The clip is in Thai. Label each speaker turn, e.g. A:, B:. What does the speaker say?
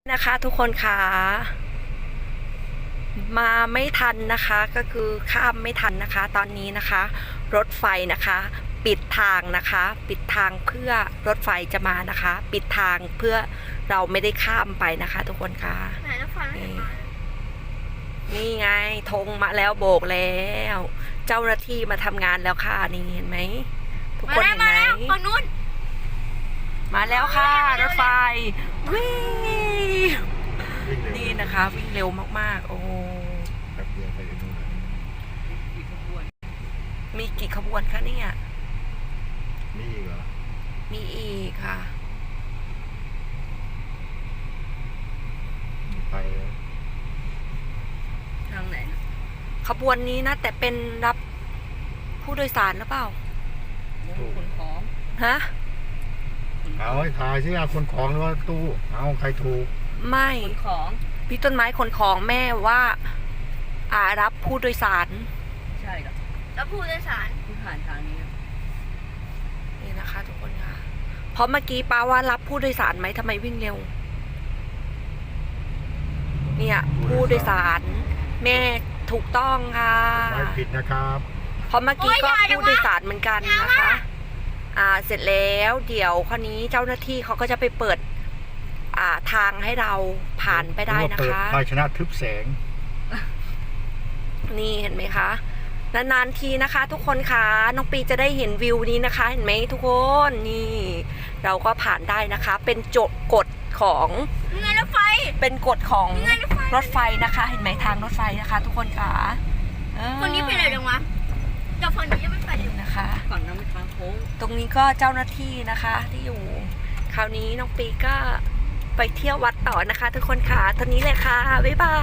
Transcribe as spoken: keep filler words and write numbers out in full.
A: นะคะทุกคนค่ะมาไม่ทันนะคะก็คือข้ามไม่ทันนะคะตอนนี้นะคะรถไฟนะคะปิดทางนะคะปิดทางเพื่อรถไฟจะมานะคะปิดทางเพื่อเราไม่ได้ข้ามไปนะคะทุกคนค่ะ
B: ไหนรถไฟไม่เห็นมา
A: นี่ไงธงมาแล้วโบกแล้วเจ้าหน้าที่มาทำงานแล้วค่ะนี่เห็นไหมทุกคนเห็นไหม
B: ฝั่งนู้น
A: มาแล้วค่ะรถไฟวิ่งนี่นะคะวิ่งเร็วมากๆโอ้มีกี่ขบวนคะเนี่ย
C: มีอีกเหรอ
A: มีอีกค่ะ
C: ไป
B: ทางไหน
A: ขบวนนี้นะแต่เป็นรับผู้โดยสารหรือเปล่า
B: ขนของ
A: ฮะ
C: เอาให้ถ่ายสิเอาคนของหรือว่าตู้เอาใครถูก
A: ไม่
B: ขนของ
A: พี่ต้นไม้ขนของแม่ว่าอารับผู้โดยสาร
B: ใช่ครับรับผู้โดยสารที่ผ่านทางนี้
A: นี่นะคะทุกคนค่ะเพราะเมื่อกี้ป้าว่ารับผู้โดยสารไหมทำไมวิ่งเร็วเนี่ยผู้โดยสารแม่ถูกต้องค่ะ
C: ไม่ผิดนะครับ
A: เพราะเมื่อกี้ก็ผู้โดยสารเหมือนกันนะคะอ่าเสร็จแล้วเดี๋ยวคราวนี้เจ้าหน้าที่เขาก็จะไปเปิดอ่าทางให้เราผ่านไปได้นะคะ
C: ภาชนะทึบแสง
A: นี่เห็นไหมคะนานๆทีนะคะทุกคนคะน้องปีจะได้เห็นวิวนี้นะคะเห็นไหมทุกคนนี่เราก็ผ่านได้นะคะเป็นโจทย์กฎของ
B: รถไฟ
A: เป็นกฎของรถไฟนะคะเห็นไหมทางรถไฟนะคะ ทุกคนคะ
B: คนนี้เป็นอะไรจังวะแต่ฝั่งนี้ยังไม่ไป
A: นะคะ
B: ฝั่งนั้นเป็นทางโค้ง
A: ตรงนี้ก็เจ้าหน้าที่นะคะที่อยู่คราวนี้น้องปีก็ไปเที่ยววัดต่อนะคะทุกคนค่ะตอนนี้เลยค่ะบ๊ายบาย